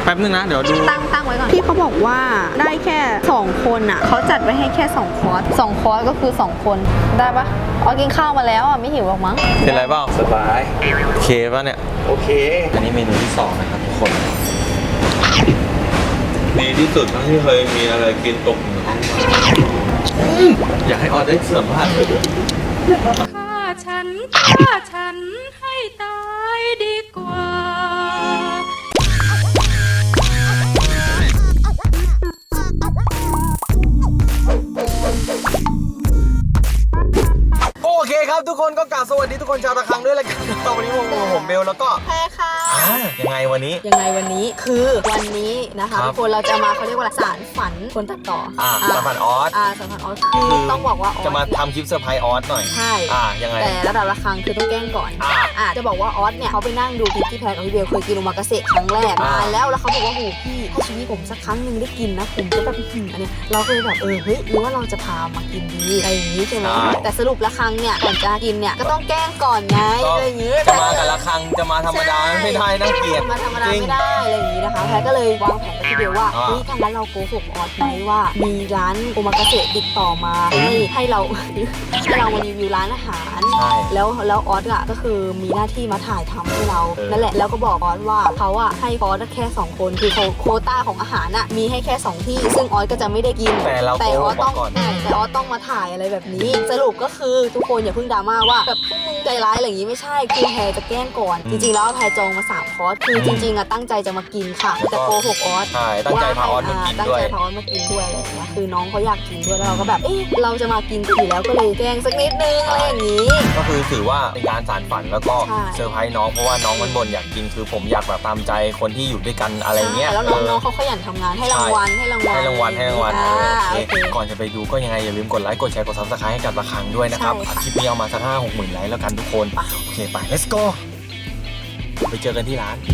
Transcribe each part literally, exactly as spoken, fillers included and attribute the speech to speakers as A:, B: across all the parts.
A: แป๊บนึงนะเดี๋ยวดู
B: ตั้งตั้งไว้ก่อนพี่เขาบอกว่าได้แค่สองคนอ่ะเขาจัดไว้ให้แค่สองคอร์สสองคอร์สก็คือสองคนได้ปะอ๋อกินข้าวมาแล้วอ่ะไม่หิวหรอกมั้ง
A: เป็นไรเปล่า
C: สบาย
A: โอเคป่ะเนี่ย
C: โอเค
A: อันนี้เมนูที่สองนะครับทุกคน
C: ดีที่สุดทั้งที่เคยมีอะไรกินตกอยู่ในห้องมา
A: อยากให้ออได้เสริมบ้าน
D: ฆ่าฉันฆ่าฉันให้ตายดีกว่า
A: โอเคครับทุกคนก็กล่าวสวัสดีทุกคนชาวระฆังด้วยละกันวันนี้ผมผมเบลแล้วก็
B: แพรค่ะ
A: ยังไงวันนี้
B: ยังไงวันนี้คือวันนี้นะคะทุกคนเราจะมาเขาเรียกว่าสารฝันคนตัดต่อ
A: อ่าสารฝันออส
B: อ่าสารฝันออสคือต้องบอกว่า
A: จะมาทำคลิปเซอร์ไพรส์ออสหน่อย
B: ใช่
A: อ่ายังไง
B: แต่ระดับระฆังคือต้องแกล้งก่อนอ่าจะบอกว่าออสเนี่ยเขาไปนั่งดูคลิปที่แพรกับพี่เบลเคยกินโอมากาเสะครั้งแรกมาแล้วแล้วเขาบอกว่าโหพี่ถ้าชีวิตผมสักครั้งหนึ่งได้กินนะผมจะแบบอันนี้เราเคยแบบเออเฮ้ยหรือว่าเราจะพามากินดีอะไรอย่างนี้ใช่ไหมแต่สรุประฆังเนี่ยก่อนจะกินเนี่ยก็ต้องแกล้งก่อนไงอะไรอย่างนี้
A: จะมากับระฆังจะมาธรรมดาไม่ได้น่าเกลียด
B: มาธรรมดาไม่ได้อะไรอย่างนี้นะคะแพรก็เลยวางแผนกับพี่เบลว่าเฮ้ยถ้างั้นเราโกหกออสไหมว่ามีร้านโอมากาเสะติดต่อมาให้ให้เราให้เรามารีวิวร้านอาหารแล้วแล้วออสอ่ะก็คือมีหน้าที่มาถ่ายทำให้เรานั่นแหละแล้วก็บอกออสว่าเขาอ่ะให้ออสแค่สองคนคือโควต้าของอาหารอ่ะมีให้แค่สองที่ซึ่งออสก็จะไม่ได้กิน
A: แต่เราแต่
B: ออสต้องแต่ออสต้องมาถ่ายอะไรแบบนี้สรุปก็คือทุกคนอย่าเพิ่งดราม่าว่าแบบพวกมึงใจร้ายอะไรอย่างนี้ไม่ใช่คือแพรจะแกล้งก่อนจริงๆแล้วแพรจองมาสามคอร์สคือจริงๆอ่ะตั้งใจจะมากินค่ะแต่โกหกออส
A: ใช่ตั้งใจพาออสมากินด้วย
B: ตั้งใจพาออสมากินด้วยอะไรอย่างเงี้ยคือน้องเขาอยากกินด้วยแล้วเราก็แบบเอ๊ะเราจะมากินอยู่แล้วก็เลยแกล้งสักนิดนึงอะไรอย่างนี้
A: ก็คือถือว่าเป็นการสานฝันแล้วก็เซอร์ไพรส์น้องเพราะว่าน้องมันบ่นอยากกินคือผมอยากแบบตามใจคนที่อยู่ด้วยกันอะไรเงี้ย
B: แล้วน้องๆเขาขยันทำงานให้รางวัลให้รางวัล
A: ให้รางวัลให้รางวัลก่อนจะไปดูก็ยังไงอย่าลืมกดไลค์กดแชร์กดซับสไครต์ให้กับระฆังด้วยนะครับคลิปนี้เอามาสักห้าหกหมื่นไลค์แล้วกันทุกคนโอเคไป let's go ไปเจอกันที่ร้าน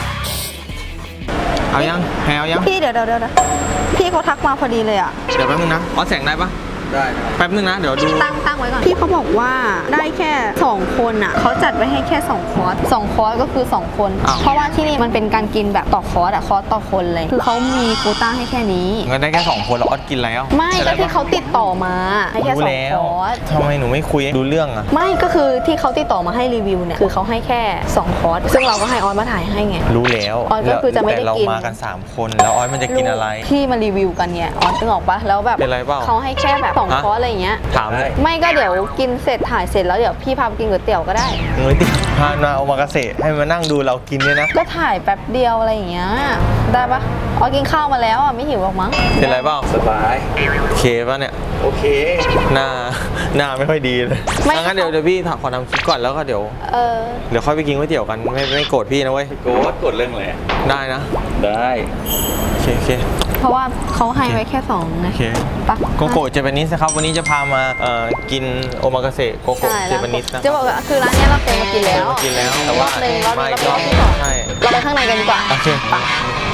A: เอายังแพรเอายัง
B: พี่เดี๋ยวเดี๋ยวเดี๋ยวพี่เขาทักมาพอดีเลยอ่ะ
A: เดี๋ยวแป๊บนึงนะออสแสงได้ปะได้แป๊บนึงนะเดี๋ยวดู
B: ตั้งตั้งไว้ก่อนพี่เขาบอกว่าได้แค่สองคนอ่ะเขาจัดไว้ให้แค่สองคอร์สสองคอร์สก็คือสองคนเพราะว่าที่นี่มันเป็นการกินแบบต่อคอร์สอ่ะคอร์สต่อคนเลยคือเขามีโควต้าให้แค่นี้
A: เงินได้แค่สองคนแล้วออสกินแล้ว
B: ไม่ก็ที่เขาติดต่อมาให้แค่สองคอร์ส
A: ทำไมหนูไม่คุยดูเรื่องอ่ะ
B: ไม่ก็คือที่เขาติดต่อมาให้รีวิวเนี่ยคือเขาให้แค่สองคอร์สซึ่งเราก็ให้ออสมาถ่ายให้ไง
A: รู้แล้ว
B: ออสก็คือจะไม่ได้กิน
A: แต่เรามากันสามคนแล้วออสมันจะกินอะไร
B: ที่มารีวิวกันเนี่ยออสนึกออกปะแล้วแบบเขาให้แค่แบบสองคอร์สอะไรอย่างเงี้ย
A: ถามเลย
B: ไม่ก็เดี๋ยวกินเสร็จถ่ายเสร็จแล้วเดี๋ยวพี่พาไปกินก๋วยเตี๋ยวก็ได้
A: ก๋วยเตี๋ยวพามาโอมากาเสะให้มานั่งดูเรากินด้วยนะ
B: ก็ถ่ายแป๊บเดียวอะไรอย่างเงี้ยได้ปะอ๋อกินข้าวมาแล้วอ่ะไม่หิวหรอกมั้ง
A: เป็นไรเปล่า
C: สบาย
A: โอเคป่ะเนี่ย
C: โอเค
A: หน้าหน้าไม่ค่อยดีเลยงั้นเดี๋ยวเดี๋ยวพี่ขอทำคลิปก่อนแล้วก็เดี๋ยวเออเดี๋ยวค่อยไปกินก๋วยเตี๋ยวกันไม่ไม่โกรธพี่นะเว้ย
C: โกรธโกรธเรื่องอะไร
A: ได้นะ
C: ได้
A: โอเคโอเค
B: เพราะว่าเขาให้ไว้แค่สองนะ
A: โอเคปะโกโก้เจแปนิสนะครับวันนี้จะพามาเอ่อกินโอมากาเสะโกโก้เจแปนิสนะ
B: จะบอกว่าคือร้านนี้เราเคยมากินแล้ว
A: มากินแล้วแต่ว่า
B: หนึ่งเราเราไปรอบที่สองเราไปข้างในกันดีกว่า
A: โอเคปะ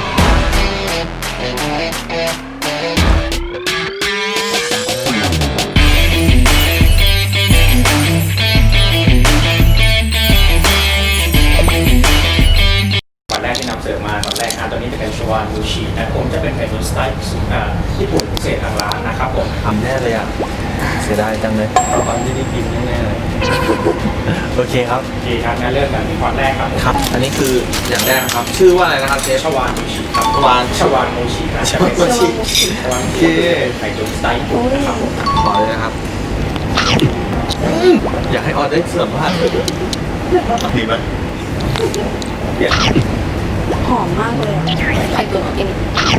E: ตอนแรกที่นำเสนอมาตอนแรกนะตอนนี้จะเป็นชวานมูชินะผมจะเป็นไข่ตุ๋นสไตล์ญี่ปุ่นพิเศษทางร้านนะครับผม
A: ทำแน่เลยอ่ะเสียดายจังเลย
E: ตอนที่ได้กินแน่เลย
A: โอเคครับ
E: โอเคครับงั้นเริ่มกันที่ความแรกครับ
A: ครับอันนี้คืออย่างแรกครับชื่อว่าอะไรนะครับเชฟ
E: ชวานมูชิครับ
A: ชวาน
E: ชวานมูชินะชวานมูชิชวานมูชิไข่ตุ๋นสไตล์ญี่ปุ่นนะครับผม
A: ขอเลยนะครับอยากให้ออเดอร์เสริมว่าดีไหมเดี๋ยว
B: หอมมากเลยไข่ตุ๋นกิน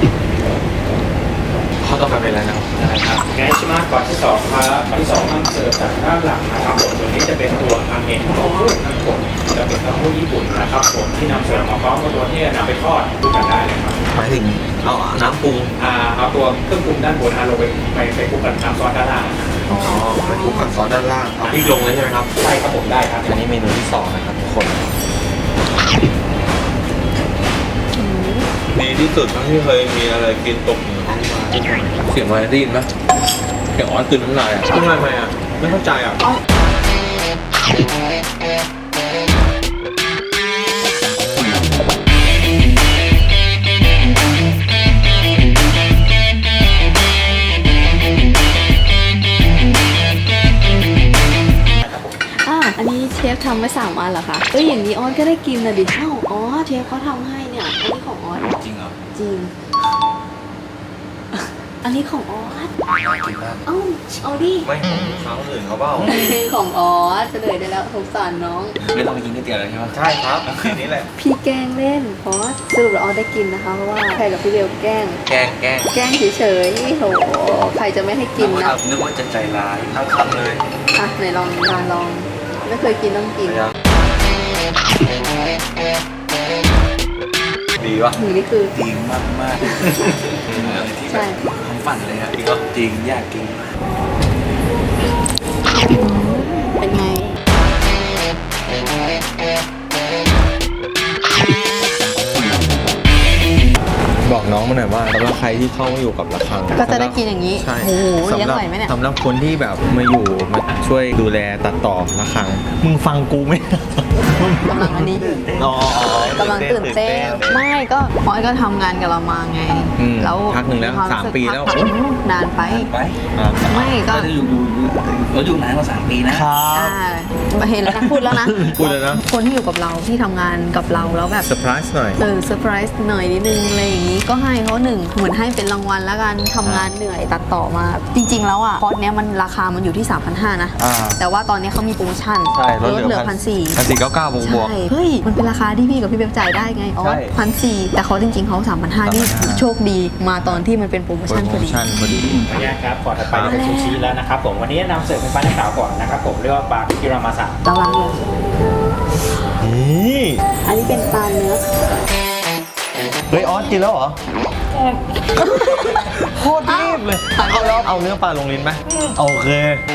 A: เขาต้องการเป็นอะไรนะ
E: นะครับแกงชิมะก่อนที่สองครับก่อนที่สองนำเสิร์ฟจากด้านหลังนะครับผมตัวนี้จะเป็นตัวอาเมนโต้รุ่นนะครับผมจะเป็นเต้าหู้ญี่ปุ่นนะครับผมที่นำเสิร์ฟมาพร้อมกับตัวที่นำไปทอดดูกันได้เลยครับ
A: หมายถึงเอาน้ำปรุง
E: อ่าเอาตัวเครื่องปรุงด้านบนเอาลงไปไปไปคลุกกับน้ำซอสด้านล่าง
A: อ๋อไปคลุกกับซอสด้านล่างเอาพริกลงเลยใช่ไหมครับ
E: ใช่ครับผมได้ครับ
A: อันนี้เมนูที่สองนะครับทุกคน
C: ดีที่สุดทั้งที่เคยมีอะไรกินตกอยู่ในห้องมา
A: เสียงอะไรได้ยินไหมเสียงออสตื่นน้ำลายอ่ะ
C: ทำไมทำไมอ่ะไม่เข้าใจอ่ะ
B: อันเหรอคะเอ้ยอย่างนี้ออสก็ได้กินนะดิเอ้าอ๋อเชฟเขาทำให้เนี่ยอันนี้ของออส
A: จริงเหรอ
B: จริง อันนี้ของออส
A: กินมาก
B: เอ้าเอาดิ
A: ไม่ของเขาอื่นเขาเปล่า
B: ของออสเฉลยได้แล้วสงสารน้อง
A: ไม่ต้องไปกินก๋วยเตี๋ยวแล้วใช่ไหมใช่ครับคืนนี้แหละ
B: พี่แกล้งเล่นออสสรุปแล้วออสได้กินนะคะเพราะว่าใครกับพี่เบลแกล้ง
A: แกล้งแกล้ง
B: แกล้งเฉยๆโหใครจะไม่ให้กินนะ
A: นึกว่าจะใจร้ายทั้งคำเลย
B: อ่ะไหนลองลองลองไม่เคยกินต้องกิน
A: ดีวะ
B: หนูนี่คือ
F: จริงมากมากๆที่
B: ใช่
F: แบบความฝันเลยครับจริงอยากกิน
B: เป็นไง
A: บอกน้องมาหน่อยว่าสำหรับใครที่เข้ามาอยู่กับระฆัง
B: ก็จะได้กินอย่างนี้
A: ใช่
B: โอ้โหเลี้ยง
A: สำหรับ
B: ไหวไหมเนี่ย
A: สำหรับคนที่แบบมาอยู่มาช่วยดูแลตัดต่อระฆังมึงฟังกูไหม
B: กำลังอันนี้
A: อ๋อก
B: ำลังตื่นเต้นไม่ก็ออยก็ทำงานกับเรามาไง
A: อืม
B: แล้ว
A: พักหนึ่งแล้ว
B: คว
A: สาม
B: รู้สึก
A: ปีแล้ว
B: พักนานไป
F: ไป
A: อ่า
B: ไม่ก็
F: ก็จะอยู่อยู่อยู่เราอยู่นานกว่าสามปีนะ
A: ครั
B: อ่า
A: บ
B: เห็นแล้วนะพูดแล้วนะ
A: พูดเลยนะ
B: คนที่อยู่กับเราที่ทำงานกับเราแล้วแบบ
A: เซอร์ไพรส์หน่อย
B: เออเซอร์ไพรส์หน่อยนิดนึงอะไรอย่างนี้ก็ให้เขาหนึ่งเหมือนให้เป็นรางวัลแล้วกันทำงานเหนื่อยตัดต่อมา จริง ๆ แล้วอ่ะคอร์สเนี้ยมันราคามันอยู่ที่ สามพันห้าร้อย นะ
A: อ่า
B: แต่ว่าตอนนี้เขามีโปรโมชั่น
A: ใช่ล
B: ล
A: ด
B: ด
A: เห
B: เห
A: ลื
B: ลื
A: อ
B: อพันสี่
A: พันสี่เก้าเก้าบวกบวก
B: ใช่เฮ้ยมันเป็นราคาที่พี่กับพี่เบบจ่ายได้ไงอ๋อ
A: ใช่
B: พันสี่แต่เขาจริง ๆเขาสามพันห้านี่
A: สามพันห้า
B: โชคดีมาตอนที่มันเป็นโปรโม
A: โปร
B: ชั่นพ
A: โม
B: อดี
A: ชั่นพอดี
E: ขออนุญาตครับก่อนถัดไปจะเป็นซูชิแล้วนะครับผมวันนี้นำเสิร์ฟเป็นปลาหน้าขาวก่อนนะครับผมเรียกว่าปลาคิรามาสะ
B: ระวังเลย
A: นี่
B: อันนี้เป็นปลาเนื้อ
A: เฮ้ยออสกินแล้วเหรอโคตรรีบเลยเอาแล้วเอาเนื้อปลาลงลิ้นไหมโอเค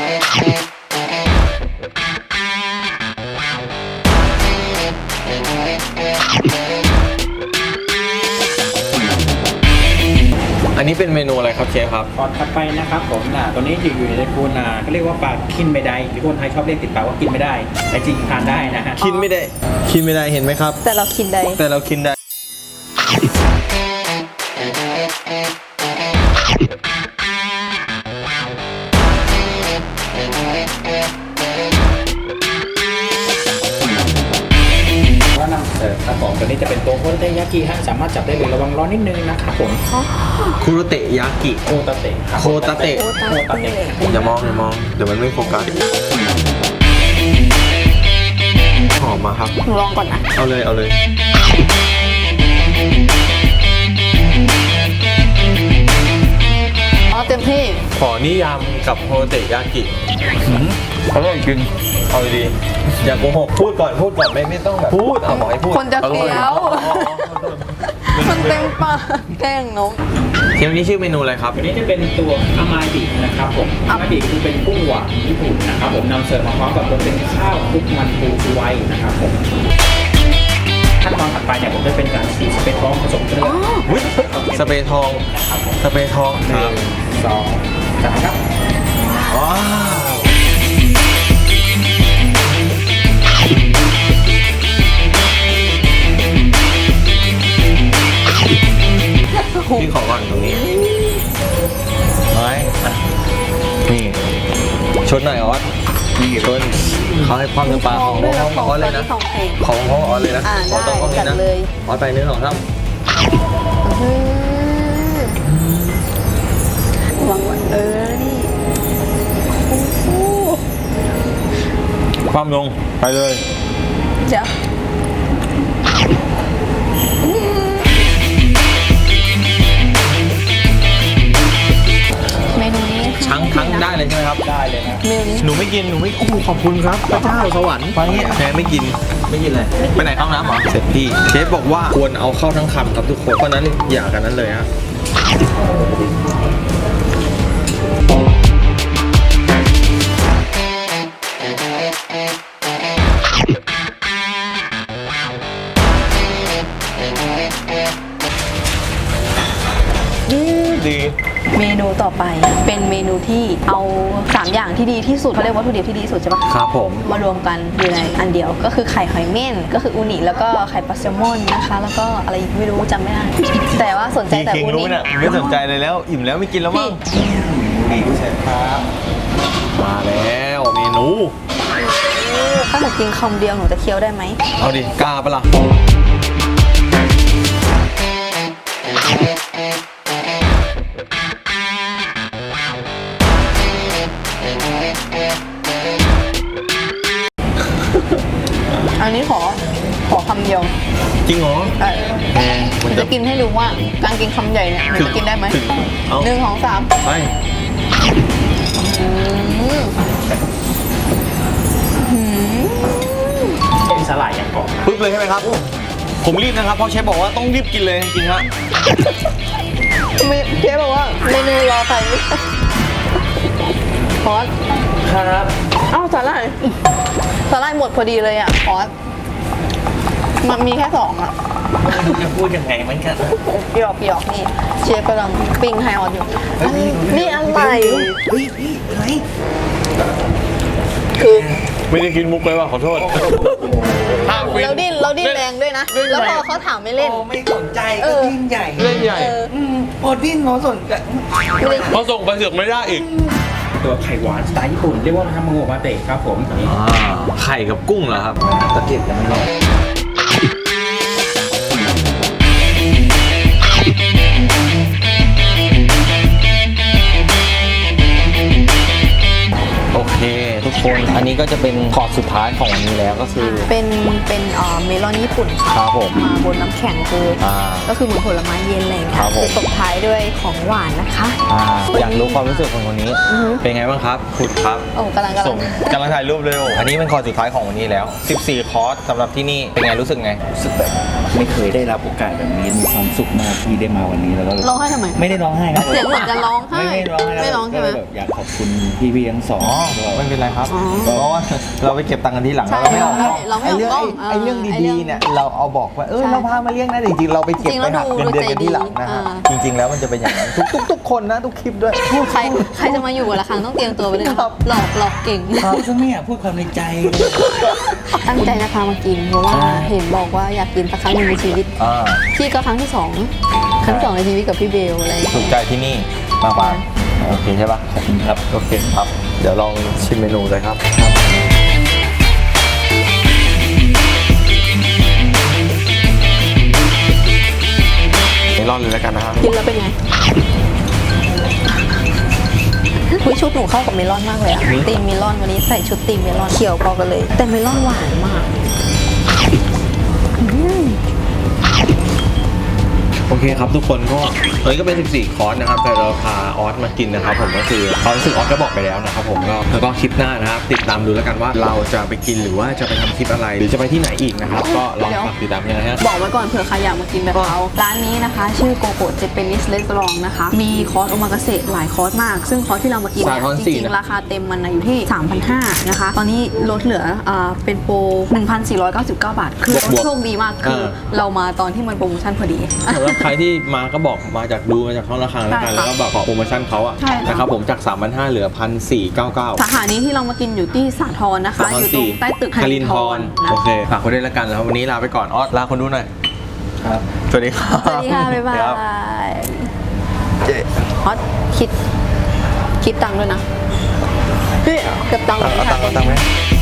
A: อันนี้เป็นเมนูอะไรครับเชฟครับ
E: ก่อนถัดไปนะครับผมอ่าตัวนี้อยู่อยู่ในคูนาก็เรียกว่าปลาคินไม่ได้หรือคนไทยชอบเรียกติดปากว่ากินไม่ได้แต่จริงทานได้นะฮะ
A: คิดไม่ได้ คิดไม่ได้เห็นไหมครับ
B: แต่เรากินได้
A: แต่เราคิดได้
E: ก็นำเสิร์ฟครับผมตัวนี้จะเป็นตัวโคตาเตยากิฮะสามารถจับได้เลยระวังร้อนนิดนึงนะครับผม
A: คุโรเตะยากิ
E: โคตาเตะครับ
A: โคตาเตะ
B: โคตาเตะ
A: อย่ามองอย่ามอง เดี๋ยวมันไม่โฟกัสหอมมาครับ
B: หนูลองก่อนนะ
A: เอาเลยเอาเลย
B: อ๋อเต็มที่
A: ขอนิยามกับโคโรเตะยากิอร่อยจริงเอาดีๆอย่าโกหกพูดก่อนพูดก่อนไม่ไม่ต้องแบบพูดเอาบอกให้พูด
B: คนจะเคี้ยว มันเต็มปากแกล้งน้อง
A: เทปนี้ชื่อเมนูอะไรครับ
E: ตัวนี้จะเป็นตัวอามาบินะครับผมอามาบิคือเป็นกุ้งหวานญี่ปุ่นนะครับผมนำเสิร์ฟมาพร้อมกับตัวเป็นข้าวคลุกมันปูชูไว้นะครับผมขั้นตอนถัดไปเนี่ยผมจะเป็นการฉีดสเปรย์ทองผสมเกลือ
A: วิสเปรย์ทอง สเปรย์ทอง
E: หนึ่งสองสามครับ
A: ว้าวพี่ขอก่อนตรงนี้ไม้นี่ชนหน่อยออสนี่ชนเขาให้ความเนื้อปลาของ
B: ด้วย
A: ข
B: แล้ว
A: อง
B: ของ
A: ออสเลยนะ
B: ของแพง
A: ของของออสเลยนะ
B: อ่า
A: ออสต้องต้อง
B: ได้
A: นี้นะ
B: จัดเลย
A: ออสไปเนื้อสองท่า
B: หวังว่าเออ นี่
A: ความลงไปเลย
B: เดี๋ยวเมนูนี้
A: ทั้งทั้งได้เลยใช่ไหมครับ
E: ได้เลยครับ
B: เมนูนี้
A: หนูไม่กิน หนูไม่ โอ้โหขอบคุณครับ พระเจ้าสวรรค์ไปแพ้ไม่กิน ไม่กินเลย ไปไหนเข้าน้ำเหรอ เสร็จพี่ เชฟบอกว่าควรเอาเข้าทั้งคำครับทุกคน เพราะนั้นอย่ากันนั้นเลยฮะ ดี
B: เมนูต่อไปเป็นเมนูที่เอาสามอย่างที่ดีที่สุดเขาเรียกวัตถุดิบที่ดีที่สุดใช่ปะ
A: ครับผม
B: มารวมกันอยู่ในอันเดียวก็คือไข่หอยเม่นก็คืออูนิแล้วก็ไข่ปลาแซลมอนนะคะ แล้วก็อะไรอีกไม่รู้จำไม่ได้ แต่ว่าสนใจแต่
A: คิง
B: อู
A: รู้
B: นิ
A: เนี่ยไม่สนใจเลยแล้ว อิ่มแล้วไม่กินแล้วมั้ง
E: ดีเสร็จครับ
A: มาแล้วเมนู
B: ถ้าหนูกินคำเดียวหนูจะเคี้ยวได้ไหม
A: เอาดิกล้าปะล่ะ
B: อันนี้ขอขอคำเดียว
A: จริงเหรอ
B: ใช่
A: แหมมัน
B: จะ
A: จะ
B: กินให้ดูว่าการกินคำใหญ่เนี่ยหนูจะกินได้ไหม
A: ถึงเอา
B: หนึ่งสองสาม
A: ไป
B: อืมอืม
E: เป็นสลายอย่างกรอบ
A: ปึ๊บเลยใช่ไหมครับ ผมรีบนะครับ เพราะเชฟบอกว่าต้องรีบกินเลยจริงๆฮะ
B: ไม่เชฟบอกว่าเมนูรอใครไม่ได้พอส
A: ครับ
B: เอ้าสาหร่ายสาหร่ายหมดพอดีเลยอ่ะพอสมันมีแค่สองอ่ะ
F: จะพูดยังไงมันกัน
B: หยอกหยอกนี่เชฟกำลังปิ้งไฮออนอยู่อันนี่อะไร
F: เฮ้ยพี่อะไร
B: คือ
A: ไม่ได้กินมุกเลยว่ะขอโทษห้ามฟิน
B: เราดิ้นเราดิ้นแรงด้วยนะ แล้วพอเขาถามไม่เล่น
F: โอ้ไม่สนใจ
B: เอ
F: ก็
B: อ
F: ยิ่งใหญ่
A: เล่นใหญ่
B: เออ
F: อืมพอดิ้นเขาสนใจ
B: ไม่เล่น
A: พอส่งไปเสือกไม่ได้อีก
E: ตัวไข่หวานสไตล์ญี่ปุ่นเรียกว่าทามาโงะมาเตะครับผม
A: ไข่กับกุ้งเหรอครับ
F: ตะเกียบยังไม่รอด
A: โอเค ทุกคน อันนี้ก็จะเป็นคอร์สสุดท้ายของวันนี้แล้วก็คือ
B: เป็นเป็นเอ่อเมลอนญี่ปุ่นค่ะ
A: ครับผม
B: มาบนน้ำแข็งคือ
A: อ่า
B: ก็คือเหมือนผลไม้เย็นอะไรอย่าง
A: ค
B: เงี้
A: รั
B: ย
A: บผม
B: คือตบท้ายด้วยของหวานนะคะ
A: อ่าอยากรู้ความรู้สึกของคนนี้
B: อือฮึ
A: เป็นไงบ้างครับคุณครับ
B: โอ้กำลังกำลั
A: ส่
B: ง
A: งกำลังถ่ายรูปเลยโอ้อันนี้เป็นคอร์สสุดท้ายของวันนี้แล้ว สิบสี่ คอร์สสำหรับที่นี่ เป็นไงรู้สึกไง
F: รู้สึกแบบไม่เคยได้รับโอกาสแบบนี้มีความสุขมากที่ได้มาวันนี้แล้วก็
B: ร้องไห้ทำไม
F: ไม่ได้ร้องไห้นะ
B: เสียงเหมือนจะร้องไห้
F: ไม่ไม่ร้องไห้
B: ไม่ร้องใช่ไหม
F: ก็เลยแบบอยากขอบคุณพี่ๆทั้งสอง
A: อ๋อ
F: ด้วย
A: ไม่เป็นไรครับ
B: อ๋อ
A: เพราะว่าเราไปเก็บตังค์กันที่หลัง
B: ใช่
A: เราไม่ออกกล้อง
B: เราไม่ออกกล้อง
A: ไอ้เรื่อง
B: เออ
A: ไอ้
B: ไอ้เรื่
A: เรื่อง
B: อง
A: ดีๆเนี่ยเราเอาบอกว่าเออ
B: ใช่
A: เราพามาเลี้ยงนะแต่จริงๆเราไปเก็บ
B: จริงๆ
A: ไปหัก
B: แล้ว
A: เงินเดือน
B: ดู
A: กันที่หลังนะฮะ
B: ใจดี
A: จริง ๆ แล้วมันจะเป็นอย่างนั้นทุกทุกทุกคนนะทุกคลิปด้วย
B: ใครใครจะมาอยู่กับละครั้งต้องเตรียมตัวไปเลยนะครับ หลอกหลอกเก่ง
F: พูดซะไม่อยากพูดความในใจเลย
B: ตั้งใจจะพามากินเพราะว่าเห็นบอกว่าอยากกินสักครั้งหนึ่งในชีวิต
A: อ่า
B: พี่ก็ครั้งที่สองครั้งที่สองในชีวิตกับพี่เบลอะไรอย่าง
A: ถู
B: เงี้
A: ก
B: ย
A: ใจที่นี่มากกว่าโอเคใช่ปะครับโอเคครับ เดี๋ยวลองชิมเมนูเลยครับเมลอนเลยแล้วกันนะฮะ
B: กินแล้วเป็นไงอุ๊ยชุดหนูเข้ากับเมลอนมากเลยอะตีมเมลอนวันนี้ใส่ชุดตีมเมลอนเขียวพอกันเลย แต่เมลอนหวานมากอืม
A: โอเคครับทุกคนก็เอ้ยก็เป็นสิบสี่คอร์สนะครับแต่เราพาออสมากินนะครับผมก็คือความรู้สึกออสก็บอกไปแล้วนะครับผมก็แล้วก็คลิปหน้านะครับติดตามดูแล้วกันว่าเราจะไปกินหรือว่าจะไปทำคลิปอะไร หรือจะไปที่ไหนอีกนะครับก็ลองฝากติดตามกันนะฮะ
B: บอกไว้ก่อนเผื่อใครอยากมากินแบบเราร้านนี้นะคะ ชื่อโกโก้เจแปนิสเรสตอรองนะคะมีคอร์สโอมากาเสะหลายคอร์สมาก ซึ่งคอร์สที่เรามากิน
A: สาย
B: เนี่ย
A: คอร์ส
B: จ
A: สี่
B: ริง
A: นะ
B: ๆราคาเต็มมันนะอยู่ที่ สามพันห้าร้อย นะคะตอนนี้ลดเหลืออ่าเป็นโปร หนึ่งพันสี่ร้อยเก้าสิบเก้า บาท คือ
A: บวกๆ
B: โชคดีมากคือ
A: เออ
B: เรามาตอนที่มันโปรโมชั่นพอดี
A: สำหรับใครที่มาก็บอกมาจากดูมาจากช่องราคาแล้วกัน
B: ใช่ค่ะ
A: แล้วก็บอกขอโปรโมชั่นเขาอะ
B: ใช่ค่ะ
A: นะครับผมจาก สามพันห้าร้อย เหลือ หนึ่งพันสี่ร้อยเก้าสิบเก้า
B: สาขานี้ที่เรามากินอยู่ที่สาทรนะคะ อยู่ตรงใต้ตึก
A: คารินทร
B: นะ
A: โอเคฝากไว้ด้วยแล้วกันแล้ววันนี้ลาไปก่อนออสลาคนดูหน่อย
F: ครับ
A: สวัสดีครับ
B: สวัสดีค่ะ บ๊ายบา
A: ครับ
B: ยฮอตคิด คิดตังค์ด้วยนะเฮ้ยเก็บตังค์
A: เอา
B: ไว้
A: เอาตังค์เอาตังค์ไหม